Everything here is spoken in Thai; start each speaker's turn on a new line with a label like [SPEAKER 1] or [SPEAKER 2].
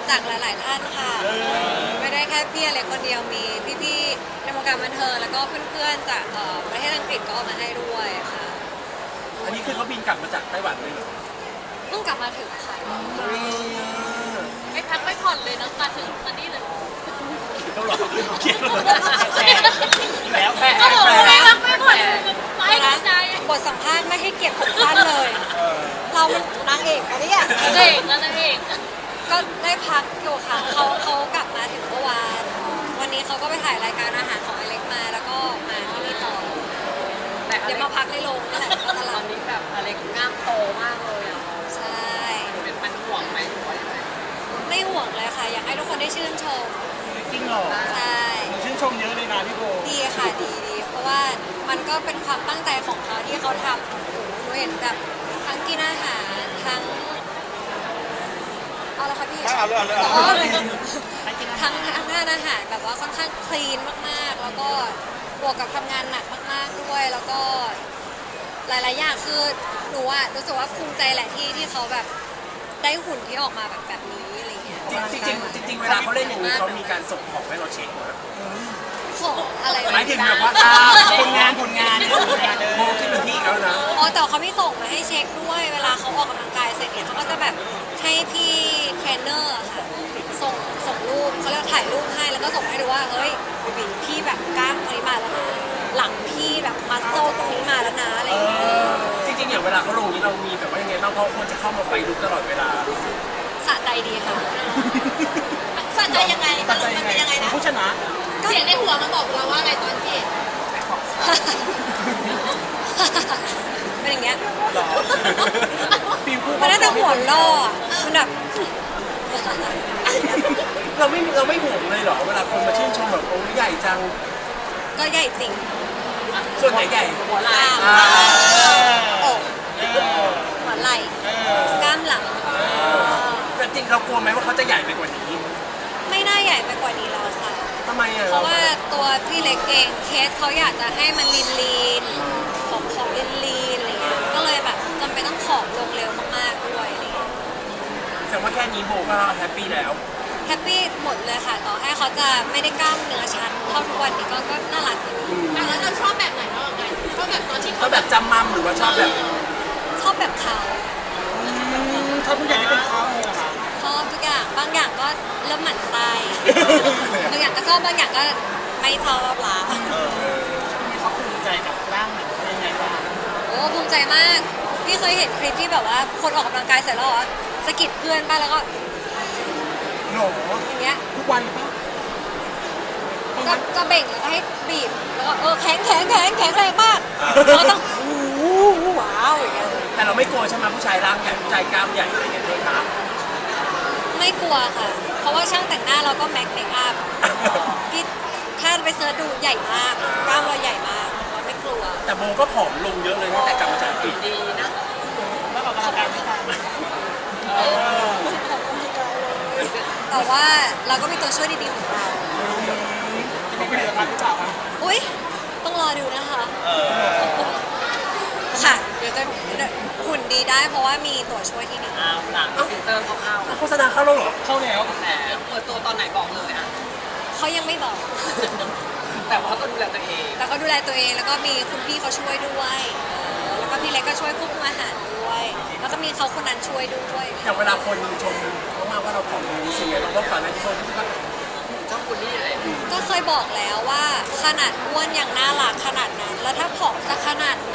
[SPEAKER 1] จากหลายๆท่านค่ะไม่ได้แค่พี่อเล็กคนเดียวมีพี่ๆในวงการบันเทิงแล้วก็เพื่อนๆจากประเทศอังกฤษก็เอามาให้ด้วยค่ะ
[SPEAKER 2] อันนี้คือเขาบินกลับมาจากไต้หวันเลยเหรอ
[SPEAKER 1] เพิ่งกลับมาถึงค่ะ
[SPEAKER 3] ไม่พักไม่ผ่อนเลยเนาะมาถึงตอนนี้เลย
[SPEAKER 2] ต้องรอเขียนแล้วแปล
[SPEAKER 3] ก็บอกว่าไม่พักไม่ผ่อนไม่เข้าใจ
[SPEAKER 1] บทสัมภาษณ์ไม่ให้เก็บผมสั้นเลย เรามันนางเอกอะเนี่ย
[SPEAKER 3] เก่งแล้วนะเอง
[SPEAKER 1] ก็ได้พักอยู่ค่ะเขากลับมาถึงเมื่อวานวันนี้เขาก็ไปถ่ายรายการอาหารของอเล็กมาแล้วก็มาที่นี่ต่อ
[SPEAKER 3] แต่
[SPEAKER 1] เดี๋ยวมาพักในโรงนั่นแหละก็ต
[SPEAKER 3] ต
[SPEAKER 1] ลา
[SPEAKER 3] อ
[SPEAKER 1] ด
[SPEAKER 3] นนี้แบบอะไรกล้ามโตมากเลยอ่ะ
[SPEAKER 1] ใช่
[SPEAKER 3] เป็นมันห่วงไหมหรือว่ายังไง
[SPEAKER 1] ไม่ห่วงเลยค่ะ อยากให้ทุกคนได้ชื่นชม
[SPEAKER 2] จริงเหรอ
[SPEAKER 1] ใช่
[SPEAKER 2] ชื่นชมเยอะเลยนะพี่โบ
[SPEAKER 1] ดีค่ะดีเพราะว่ามันก็เป็นความตั้งใจของเขาที่เขาทำหนูเห็นแบบทั้งกินอาหารทั้งเอาละค่ะพี่
[SPEAKER 2] เอาเลย
[SPEAKER 1] อ๋อทั้งทานอาหารแบบว่าค่อนข้างคลีนมากๆ แล้วก็บวกกับทำงานหนักมากๆด้วย แล้วก็หลายๆอย่างคือหนูอะรู้สึกว่าภูมิใจแหละที่เขาแบบได้หุ่นที่ออกมาแบบนี้อะไรเงี้ย
[SPEAKER 2] จริงเวลาเขาเล่นอย่างนี้เขามีการส่งของให้เราเช็คนะ
[SPEAKER 1] ของอะไร
[SPEAKER 2] หมายถึงแบบว่าผลงานโบที่เป็นพี่เขานะ
[SPEAKER 1] อ๋อแต่เขาไม่ส่งมาให้เช็คด้วยเวลาเขาออกกำลังกายเสร็จเนี่ยเขาก็จะแบบให้พี่เทรนเนอร์อะค่ะส่งรูปเขาเรียกถ่ายรูปให้แล้วก็ส่งให้ดูว่าเฮ้ยบีพี่แบบกล้ามตรงนี้มาแล้วนะหลังพี่แบบมัสโซตรงนี้มาแล้วนะอะไรอย่างเงี้ย
[SPEAKER 2] จริงอย่างเวลาเขาลงนี้เรามีแบบว่ายังไงบ้างเพราะคนจะเข้ามาไฟลุกตลอดเวลา
[SPEAKER 1] สะใจดีค่ะ
[SPEAKER 3] สนใจยังไงมันเป็นยังไงนะ
[SPEAKER 2] ผู้ชนะ
[SPEAKER 3] เสียงในหัวมันบอกเราว่าอะไรตอนที่
[SPEAKER 1] เป็นอย่างเงี้ย
[SPEAKER 2] หรอฟิลคู่
[SPEAKER 1] มันน่าจะหัวล่ออะมันแบบ
[SPEAKER 2] เราไม่ห่วงเลยเหรอเวลาคนมาชื่นชมแบบโอ้ใหญ่จัง
[SPEAKER 1] ก็ใหญ่จริง
[SPEAKER 2] ส่วนใหญ่
[SPEAKER 3] หัวไหล่
[SPEAKER 1] อกหัวไหล่กล้ามหลัง
[SPEAKER 2] แต่จริงเรากลัวไหมว่าเขาจะใหญ่ไปกว่านี้
[SPEAKER 1] ไม่น่าใหญ่ไปกว่านี้แล้วค่ะ
[SPEAKER 2] ทำไมอ่ะ
[SPEAKER 1] เพราะว่าตัวพี่เล็กเองเคสเขาอยากจะให้มันลีนของลีนอะไรเงี้ยก็เลยแบบจำเป็นต้องผอมลงเร็วมากๆด้วยอะไรเงี้ย
[SPEAKER 2] แสดงว่าแค่นี้โบก็แฮปปี้แล้ว
[SPEAKER 1] แฮปปี้หมดเลยค่ะ ต่อให้เขาจะไม่ได้กล้ามเนื้อชัดเท่าทุกวันนี้ก็น่ารักดี
[SPEAKER 3] แล้วเราชอบแบบไหนเราไงชอบแบบตอนที่
[SPEAKER 2] เขาแบบจำมั่มหรือว่าชอบแบบ
[SPEAKER 1] ชอบแบบเขา
[SPEAKER 2] ชอบผู้ใหญ่ที่เป็นเขาเหรอคะ
[SPEAKER 1] ชอบทุกอย่างบางอย่างก็เริ่มหมั่นไส้บางอย่างก็ชอบบางอย่างก็ไม่ชอบละ
[SPEAKER 2] เขาภูมิใจกับร่างหนังยังไงบ้าง
[SPEAKER 1] โอ้ภูมิใจมากพี่เคยเห็นคลิปที่แบบว่าคนออกกำลังกายเสร็จแล้วเหรอสะกิดเพื่อนป่ะแล้วก็
[SPEAKER 2] หนู
[SPEAKER 1] อย่างเงี้ย
[SPEAKER 2] ทุกวันหรือเปล่า
[SPEAKER 1] ก็เบ่งแล้วก็ให้บีบแล้วก็แข็งแรงมากแล้วก็ต้องโอ้โหว้าวอย่างเงี้ย
[SPEAKER 2] แต่เราไม่กลัวใช่ไหมผู้ชายร่างใหญ่ผู้ชายกล้ามใหญ่อะไรอย่างเงี้ยเลยคะ
[SPEAKER 1] ไม่กลัวค่ะ เพราะว่าช่างแต่งหน้าเราก็เมคอัพพี่ถ้าไปเสิร์ชดูใหญ่มากกล้ามเราใหญ่มากเราไม่กลัว
[SPEAKER 2] แต่โบก็ผอมลงเยอะเลยตั้งแต่กลับมาจากอังกฤษ
[SPEAKER 3] ดีนะ
[SPEAKER 2] แล้วออกกำลังกายไม่ทัน
[SPEAKER 1] แต่ว่าเราก็มีตัวช่วยดีๆของเรา
[SPEAKER 2] จะมีผลิตภัณฑ์หรือเปล่าคะ
[SPEAKER 1] อุ้ยต้องรอดูนะคะค่ะเดี๋ยวจะหุ่นดีได้เพราะว่ามีตัวช่วยที่ดี
[SPEAKER 3] อ้าวหลังซินเตอร์เข้า
[SPEAKER 2] โฆษณาเข้าแล้วเหรอเข้าแล้ว
[SPEAKER 3] แต่เปิดตัวตอนไหนบอกเลยอ่ะ
[SPEAKER 1] เขายังไม่บอก
[SPEAKER 3] แต่ว่าก็ดูแลตัวเอง
[SPEAKER 1] แต่ก็ดูแลตัวเองแล้วก็มีคุณพี่เขาช่วยด้วยแล้วก็พี่เล็กก็ช่วยควบคุมอาหารด้วย แล้วก็มีเขาคนนั้นช่วยด้วย
[SPEAKER 2] อย่างเวลาคนชมเขามาว่าเราผอมลงรู้สึกไงเราก็ก่อนหน้านี้คนรู้สึกว่า
[SPEAKER 3] เจ้าคุณนี่เลย
[SPEAKER 1] ก็เคยบอกแล้วว่าขนาดอ้วนยังน่ารักขนาดนั้น แล้วถ้าผอมจะขนาดไหน